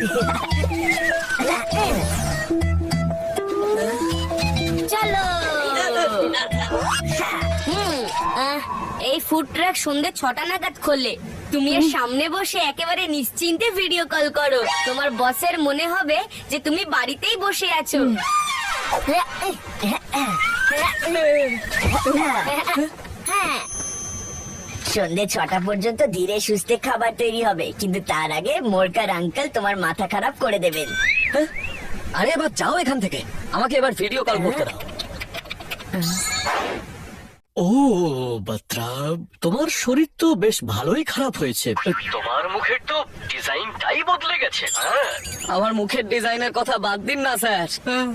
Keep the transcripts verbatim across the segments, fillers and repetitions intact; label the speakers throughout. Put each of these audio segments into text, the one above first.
Speaker 1: চলো। হুম, আহ, এই food truck সন্ধ্যে ছটা নাগাদ খোলে। তুমি এর সামনে বসে একেবারে নিশ্চিন্তে ভিডিও কল করো। তোমার বসের মনে হবে যে তুমি বাড়িতেই বসে আছো। হ্যাঁ, সন্ধ্যে ছটা পর্যন্ত ধীরে সুস্থে খাবার তৈরি হবে, কিন্তু তার আগে মোরকার আঙ্কেল তোমার মাথা খারাপ করে দেবেন।
Speaker 2: আরে এবার যাও এখান থেকে, আমাকে এবার ভিডিও কল করতে দাও। ও বাত্রা, তোমার শরীর তো বেশ ভালোই খারাপ হয়েছে। তোমার মুখের তো ডিজাইনটাই বদলে গেছে। আমার মুখের ডিজাইনের কথা বাদ দিন না স্যার,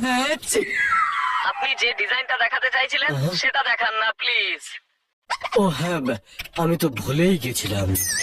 Speaker 2: আপনি যে ডিজাইনটা দেখাতে চাইছিলেন সেটা দেখান না প্লিজ। ও হ্যাঁ, আমি তো ভুলেই গেছিলাম।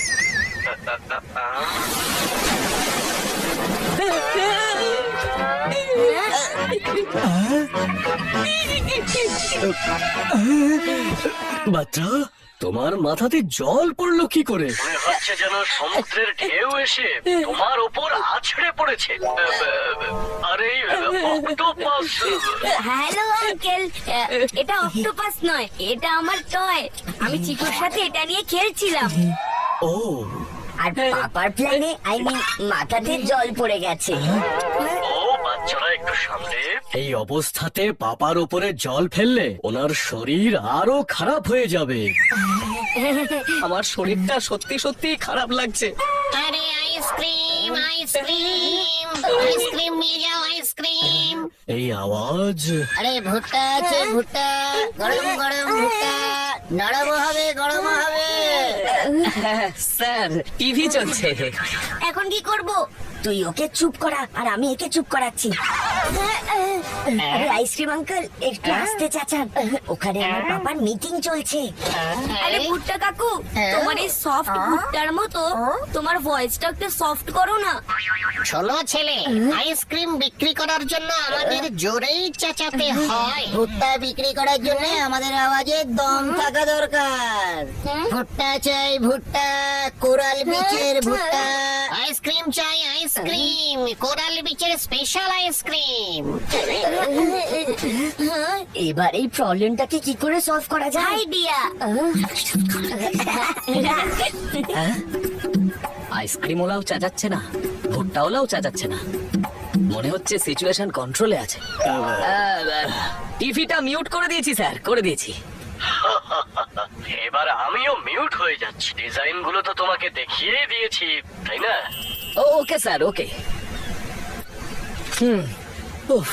Speaker 2: বাচ্চা, তোমার মাথাতে জল পড়লো কি করে? মনে হচ্ছে যেন সমুদ্রের ঢেউ এসে তোমার উপর আছড়ে পড়েছে। আরে অক্টোপাস।
Speaker 1: হ্যালো আঙ্কেল, এটা অক্টোপাস নয়, এটা আমার টয়। আমি চিকুর সাথে এটা নিয়ে খেলছিলাম।
Speaker 2: ও,
Speaker 1: আর পাপার প্ল্যানে আই মিন মাথাতে জল পড়ে গেছে।
Speaker 2: ও বাচ্চারা একটু সামনে। এই অবস্থাতে পাপার উপরে জল ফেললে ওনার শরীর আরো খারাপ হয়ে যাবে। আমার শরীরটা সত্যি সত্যি খারাপ লাগছে।
Speaker 3: আরে আইসক্রিম আইসক্রিম আইসক্রিম নিয়ে যাও আইসক্রিম।
Speaker 2: এই আওয়াজ।
Speaker 3: আরে ভুট্টা আছে ভুট্টা, গরম গরম ভুট্টা, নরম হবে গরম হবে।
Speaker 2: স্যার, টিভি চলছে।
Speaker 1: এখন কি করব? তুই ওকে চুপ করা আর আমি একে চুপ করাচ্ছি। আরে আইসক্রিম আঙ্কেল, একটু আস্তে চাচান, ওখানে আমার পাপার মিটিং চলছে। আরে ভুট্টা কাকু, তোমার এই সফট ভুট্টার মতো তোমার ভয়েসটা একটু সফট করো না।
Speaker 3: শোনো ছেলে, আইসক্রিম বিক্রি করার জন্য আমাদের জোরেই চেঁচাতে হয়। ভুট্টা বিক্রি করার জন্য আমাদের আওয়াজে দম থাকা দরকার। ভুট্টা চাই ভুট্টা, কোরাল বিচের ভুট্টা। আইসক্রিম চাই আইসক্রিম, কোরাল বিচের স্পেশাল আইসক্রিম।
Speaker 1: এবার এই প্রবলেমটাকে কি করে সলভ করা যায়? আইডিয়া।
Speaker 2: আইসক্রিম ওলাও চাচাচ্ছে না, ভুট্টা ওলাও চাচাচ্ছে না। মনে হচ্ছে সিচুয়েশন কন্ট্রোলে আছে। টিভিটা মিউট করে দিয়েছি স্যার, করে দিয়েছি। এবার আমিও মিউট হয়ে যাচ্ছি। ডিজাইন গুলো তো তোমাকে দেখিয়ে দিয়েছি, তাই না? Okay sir, okay. হুম। উফ।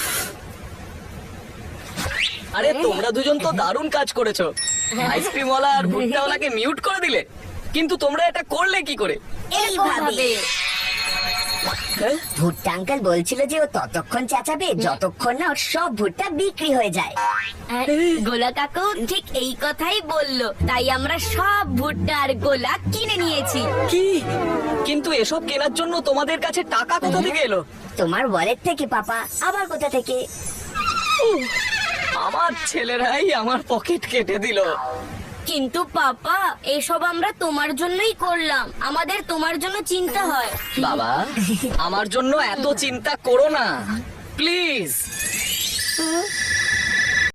Speaker 2: আরে তোমরা দুজন তো দারুণ কাজ করেছো। আইসক্রিম ওয়ালা আর ভুট্টা ওয়ালাকে মিউট করে দিলে, কিন্তু তোমরা এটা করলে কি করে?
Speaker 1: এইভাবে। ভুট্টা আঙ্কেল বলছিল যে ও ততক্ষণ চেঁচাবে যতক্ষণ না ওর সব ভুট্টা বিক্রি হয়ে যায়। গোলা কাকু ঠিক এই কথাই বললো, তাই আমরা সব ভুট্টা আর গোলা কিনে নিয়েছি।
Speaker 2: কি? কিন্তু এসব কেনার জন্য তোমাদের কাছে টাকা কোথা থেকে এলো?
Speaker 1: তোমার ওয়ালেট থেকে পাপা। আবার কোথা থেকে?
Speaker 2: আমার ছেলেরাই আমার পকেট কেটে দিল।
Speaker 1: কিন্তু পাপা, এসব আমরা তোমার জন্যই করলাম। আমাদের তোমার জন্য চিন্তা হয়।
Speaker 2: বাবা, আমার জন্য এত চিন্তা করো না প্লিজ।